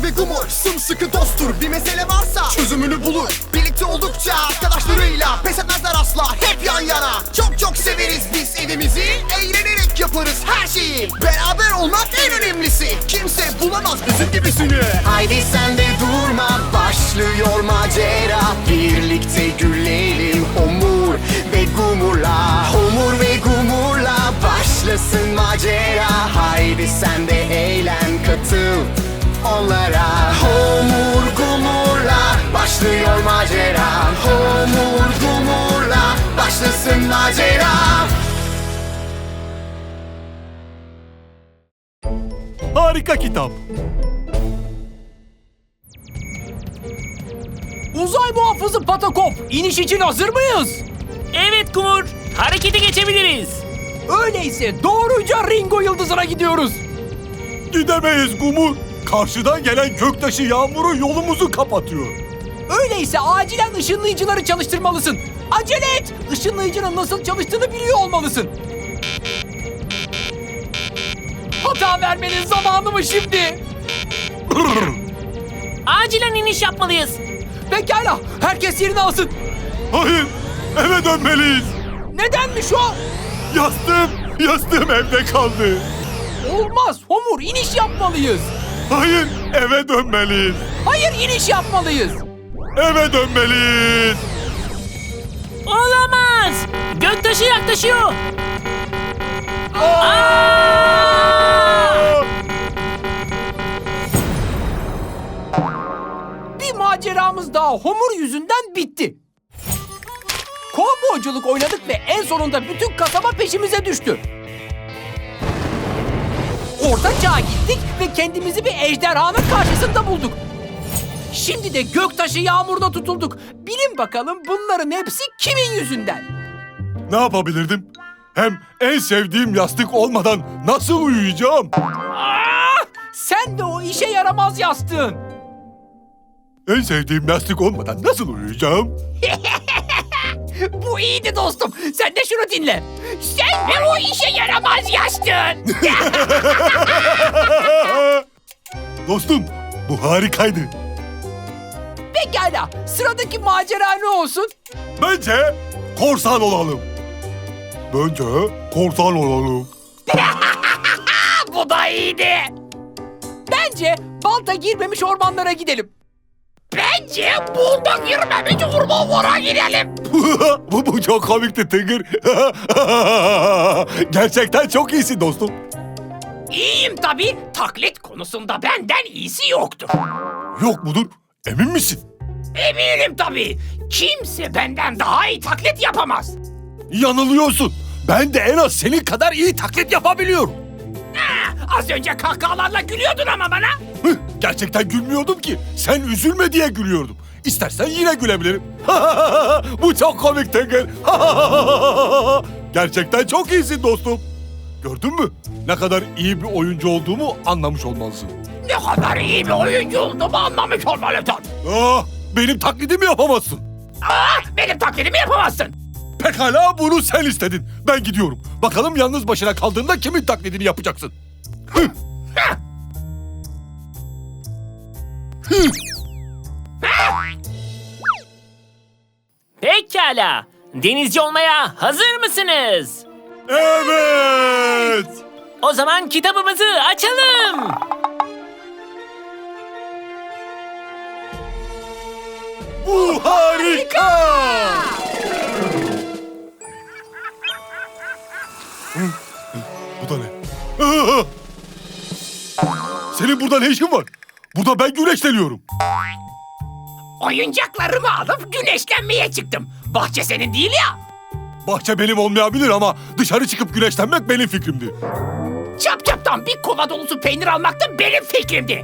Homur ve Gumur sımsıkı dosttur. Bir mesele varsa çözümünü bulur. Birlikte oldukça arkadaşlarıyla pes etmezler asla, hep yan yana. Çok çok severiz biz evimizi, eğlenerek yaparız her şeyi. Beraber olmak en önemlisi, kimse bulamaz bizim gibisini. Haydi sen de durma, başlıyor macera. Birlikte gülelim Homur ve Gumur'la. Homur ve Gumur'la başlasın macera. Haydi sen de eğlen, katıl onlara. Homur Gumur'la başlıyor macera. Homur Gumur'la başlasın macera. Harika kitap. Uzay muhafızı Patakop, iniş için hazır mıyız? Evet Gumur, harekete geçebiliriz. Öyleyse doğruca Ringo Yıldızı'na gidiyoruz. Gidemeyiz Gumur. Karşıdan gelen göktaşı yağmuru yolumuzu kapatıyor. Öyleyse acilen ışınlayıcıları çalıştırmalısın. Acele et! Işınlayıcının nasıl çalıştığını biliyor olmalısın. Hata vermenin zamanı mı şimdi? Acilen iniş yapmalıyız. Pekala, herkes yerini alsın. Hayır, eve dönmeliyiz. Nedenmiş o? Yastığım evde kaldı. Olmaz, Homur, iniş yapmalıyız. Hayır, eve dönmeliyiz. Hayır, iniş yapmalıyız. Eve dönmeliyiz. Olamaz. Göktaşı yaklaşıyor. Bir maceramız daha Homur yüzünden bitti. Kovboyculuk oynadık ve en sonunda bütün kasaba peşimize düştü. Orta Çağ'a gittik ve kendimizi bir ejderhanın karşısında bulduk. Şimdi de göktaşı yağmurda tutulduk. Bilin bakalım bunların hepsi kimin yüzünden? Ne yapabilirdim? Hem en sevdiğim yastık olmadan nasıl uyuyacağım? Sen de o işe yaramaz yastığın. En sevdiğim yastık olmadan nasıl uyuyacağım? Bu iyiydi dostum. Sen de şunu dinle. Sen de o işe yaramaz yastığın. Dostum, bu harikaydı. Pekala. Sıradaki macera ne olsun? Bence korsan olalım. Bu da iyiydi. Bence balta girmemiş ormanlara gidelim. Bence balta girmemiş ormanlara gidelim. bu çok komikti Tıngır. Gerçekten çok iyisin dostum. İyiyim tabii. Taklit konusunda benden iyisi yoktur. Yok mudur? Emin misin? Eminim tabii. Kimse benden daha iyi taklit yapamaz. Yanılıyorsun. Ben de en az senin kadar iyi taklit yapabiliyorum. Az önce kahkahalarla gülüyordun ama bana. Gerçekten gülmüyordum ki. Sen üzülme diye gülüyordum. İstersen yine gülebilirim. Bu çok komik Tıngır. Gerçekten çok iyisin dostum. Gördün mü? Ne kadar iyi bir oyuncu olduğumu anlamış olmalısın. Ne kadar iyi bir oyuncu olduğumu anlamış olmalısın. Benim taklidimi yapamazsın. Benim taklidimi yapamazsın. Pekala, bunu sen istedin. Ben gidiyorum. Bakalım yalnız başına kaldığında kimin taklidini yapacaksın? Pekala. Denizci olmaya hazır mısınız? Evet. O zaman kitabımızı açalım. Bu harika. Bu da ne? Senin burada ne işin var? Burada ben güneşleniyorum. Oyuncaklarımı alıp güneşlenmeye çıktım. Bahçe senin değil ya. Bahçe benim olmayabilir ama dışarı çıkıp güneşlenmek benim fikrimdi. Çap çaptan bir kova dolusu peynir almak da benim fikrimdi.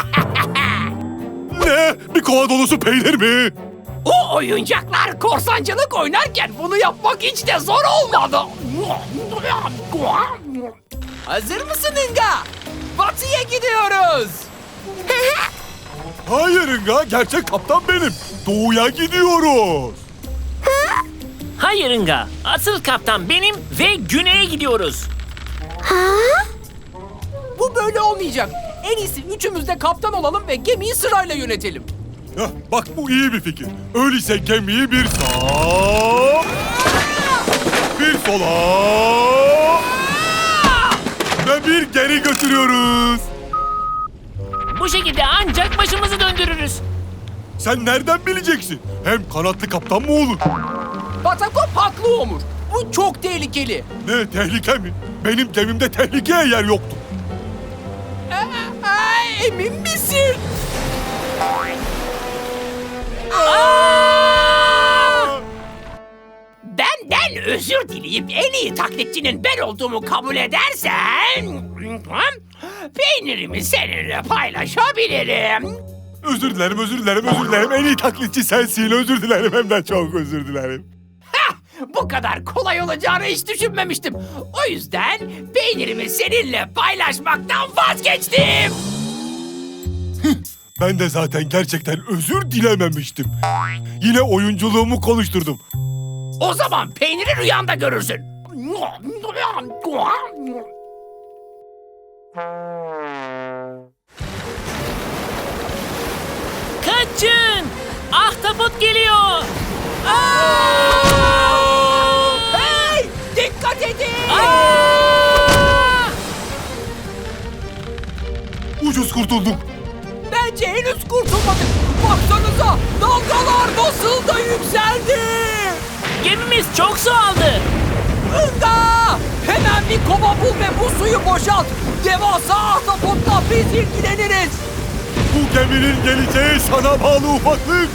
Ne? Bir kova dolusu peynir mi? O oyuncaklar korsancılık oynarken bunu yapmak hiç de zor olmadı. Hazır mısın Inga? Batı'ya gidiyoruz. Hayır Inga, gerçek kaptan benim. Doğuya gidiyoruz. Hayır Inga. Asıl kaptan benim ve güneye gidiyoruz. Bu böyle olmayacak. En iyisi üçümüz de kaptan olalım ve gemiyi sırayla yönetelim. Hah, bak bu iyi bir fikir. Öyleyse gemiyi bir sağa, bir sola ve bir geri götürüyoruz. Bu şekilde ancak başımızı döndürürüz. Sen nereden bileceksin? Hem kanatlı kaptan mı olur? Batakop haklı Homur. Bu çok tehlikeli. Ne tehlike mi? Benim gemimde tehlikeye yer yoktu. Emin misin? Benden özür dileyip en iyi taklitçinin ben olduğumu kabul edersen... peynirimi seninle paylaşabilirim. Özür dilerim, özür dilerim, özür dilerim. En iyi taklitçi sensin. Özür dilerim, hem de çok özür dilerim. Hah, bu kadar kolay olacağını hiç düşünmemiştim. O yüzden peynirimi seninle paylaşmaktan vazgeçtim. Ben de zaten gerçekten özür dilememiştim. Yine oyunculuğumu konuşturdum. O zaman peyniri rüyanda görürsün. Kaçın! Ahtapot geliyor! Hey! Dikkat edin! Ucuz kurtulduk. Bence henüz kurtulmadık. Baksanıza dalgalar nasıl da yükseldi. Gemimiz çok su aldı. Hınga! Hemen bir kova bul ve bu suyu boşalt. Devasa ahtapotla biz ilgileniriz. Bu geminin geleceği sana bağlı ufaklık.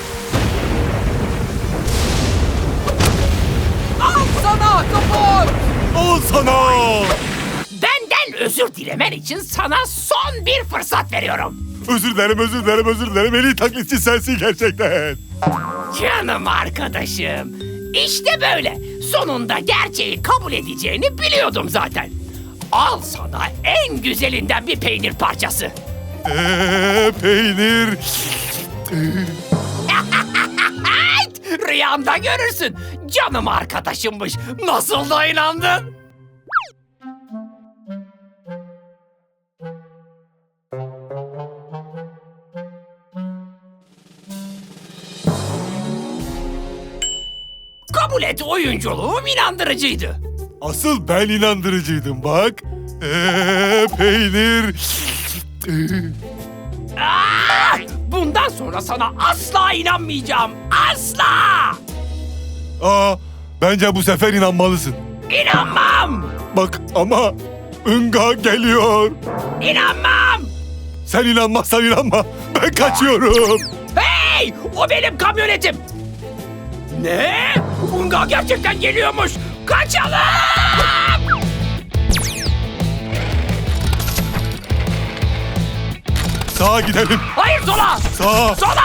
Al sana ahtapot. Al sana. Benden özür dilemen için sana son bir fırsat veriyorum. Özür dilerim, özür dilerim, özür dilerim. En iyi taklitçi sensin gerçekten. Canım arkadaşım. İşte böyle. Sonunda gerçeği kabul edeceğini biliyordum zaten. Al sana en güzelinden bir peynir parçası. Peynir. Rüyanda görürsün. Canım arkadaşımmış. Nasıl da inandın? Kabul et, oyunculuğum inandırıcıydı. Asıl ben inandırıcıydım bak. Peynir. Bundan sonra sana asla inanmayacağım. Asla! Bence bu sefer inanmalısın. İnanmam! Bak ama Inga geliyor. İnanmam! Sen inanmazsan inanma. Ben kaçıyorum. Hey! O benim kamyonetim! Ne? Unga gerçekten geliyormuş! Kaçalım! Sağa gidelim. Hayır sola! Sağa. Sola!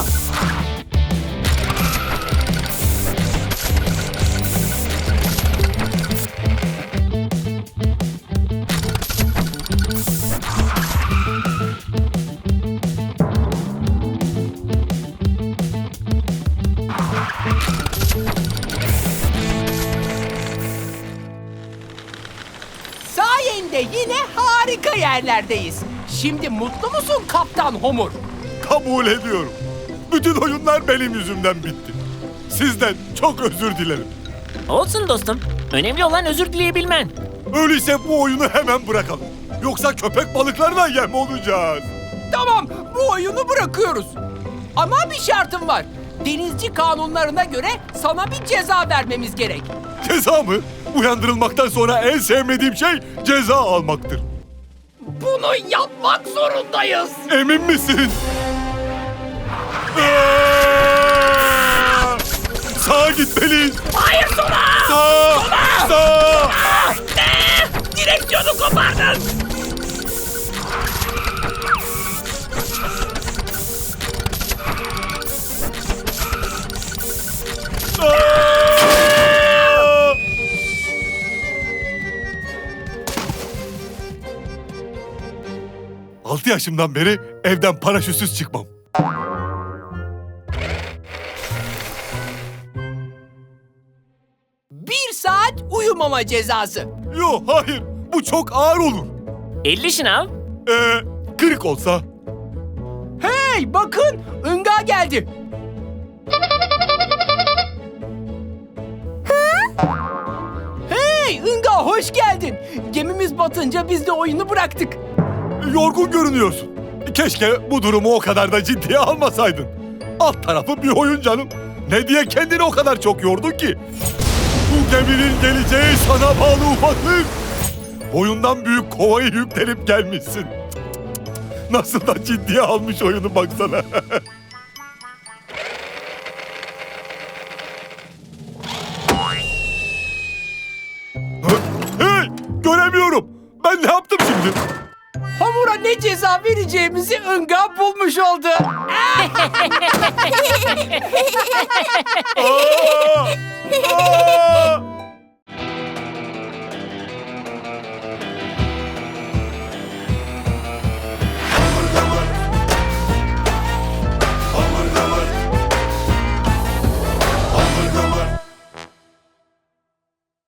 Sayende yine harika yerlerdeyiz. Şimdi mutlu musun Kaptan Homur? Kabul ediyorum. Bütün oyunlar benim yüzümden bitti. Sizden çok özür dilerim. Olsun dostum. Önemli olan özür dileyebilmen. Öyleyse bu oyunu hemen bırakalım. Yoksa köpek balıklarına yem olacağız. Tamam, bu oyunu bırakıyoruz. Ama bir şartım var. Denizci kanunlarına göre sana bir ceza vermemiz gerek. Ceza mı? Uyandırılmaktan sonra en sevmediğim şey ceza almaktır. Bunu yapmak zorundayız. Emin misin? Sağa gitmeliyiz. Hayır sola! Sağa! Sağa! Ne? Direksiyonu kopardın. Aa! 6 yaşımdan beri evden paraşütsüz çıkmam. Bir saat uyumama cezası. Yo hayır, bu çok ağır olur. 50 şınav. Kırık olsa? Hey bakın Inga geldi. Hey Inga hoş geldin. Gemimiz batınca biz de oyunu bıraktık. Yorgun görünüyorsun. Keşke bu durumu o kadar da ciddiye almasaydın. Alt tarafı bir oyun canım. Ne diye kendini o kadar çok yordun ki? Bu geminin geleceği sana bağlı ufaklık. Boyundan büyük kovayı yüklenip gelmişsin. Nasıl da ciddiye almış oyunu baksana. Hey! Göremiyorum. Ben ne yaptım şimdi? Hamura ne ceza vereceğimizi Inga bulmuş oldu. Aa! Aa!